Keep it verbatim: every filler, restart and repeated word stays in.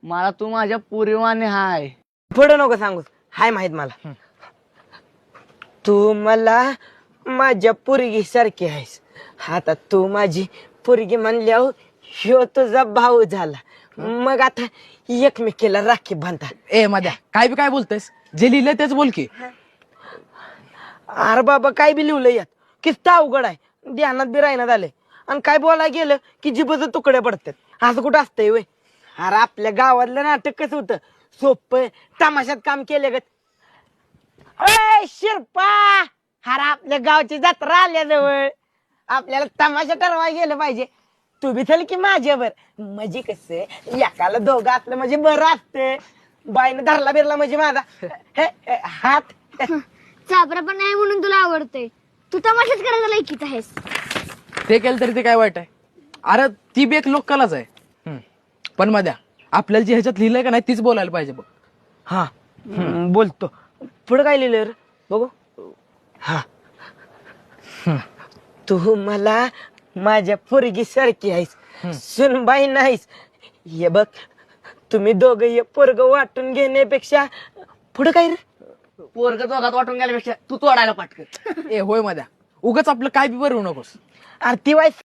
मला तू माझ्या पुरीवाने हाय. पुढं नको सांगूस, हाय माहित मला. तू मला माझ्या पोरगी सारखी आहेस. आता तू माझी पोरगी म्हणल्यावर ह्यो तुझा भाऊ झाला. मग आता एकमेकीला राखी बांधा. ए मध्या काय बी काय बोलतेस, जे लिहिलंय तेच बोल की. अरे बाबा काय बी लिहिलं यात, किस्ता अवघड आहे, ध्यानात बी राहण्यात आलंय. आणि काय बोलायला गेलं की जिभेचे तुकडे पडतात. असं कुठं असतंय वय? अरे आपल्या गावातलं नाटक कसं होतं, सोपं तमाशात काम केले ग. अय शिरपा, अरे आपल्या गावची जत्रा आल्याजवळ, आपल्याला तमाशा ठरवायला गेलं पाहिजे. तू बी चल की माझ्यावर. म्हणजे कसं एकाला दोघं असलं म्हणजे बरं असतं. बाईनं धरला बिरला म्हणजे माझा हे, हे, हात चाबरा पण नाही म्हणून तुला आवडतंय. तू तमाशाच करायला लायकीच आहेस. ते केलं तरी ते काय वाईट आहे? अरे ती बी एक लोककलाच आहे. हम्म. पण मध्या आपल्याला जे ह्याच्यात लिहिलंय का नाही तीच बोलायला पाहिजे बघ. हा हम्म, बोलतो. पुढे काय लिहिलं रे बघू. हा तू मला माझ्या पोरगी सारखी आहेस, सुनबाई नाहीस. हे बघ, तुम्ही दोघं हे पोरग वाटून घेण्यापेक्षा पुढे काय रे, पोरग दोघात वाटून गेल्यापेक्षा तू तोडायला पाटक. ए होय मध्या, उगाच आपलं काय बी बरं होऊ नकोस. आरती वाईस